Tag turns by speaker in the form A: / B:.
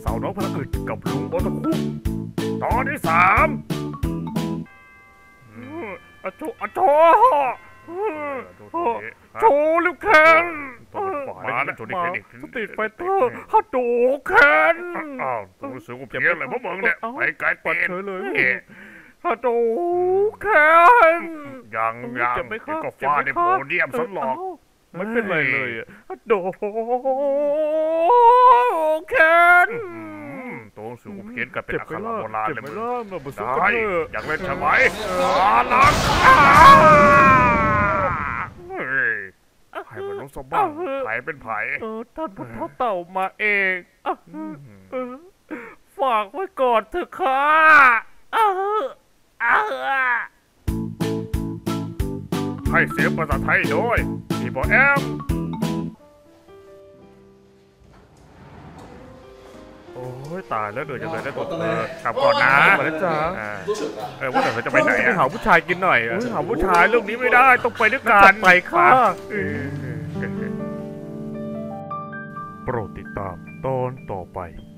A: สาวน้องพระอึดกับลุงโอตะคุตอนที่3อะโชโชลิวแคนมาสตรีทไฟเตอร์ฮัตโดแคนอ้าวรู้สึกว่าเพี้ยนเลยพวกมึงเนี่ยไปไกลเกินเลยฮัตโดแคนยังก็ฟาดในโพเดียมซะหรอกไม่เป็นไรเลยฮัตโดแคนตัวสูงเพี้ยนกันเป็นอักขระโบราณเลยมึงได้อยากเล่นใช่ไหมลังให้มันลงสบ้างไผ่เป็นไผ่ท่านพุทธเต่ามาเองฝากไว้ก่อนเถอะค่ะให้เสียงภาษาไทยโดยพี่บอแอมโอ้ยตายแล้วเดือดจังเลยได้ตัวกลับก่อนนะมาแล้วจ้าว่าแต่เขาจะไปไหนหาผู้ชายกินหน่อยหาผู้ชายเรื่องนี้ไม่ได้ต้องไปด้วยกันไปค่ะโปรดติดตามตอนต่อไป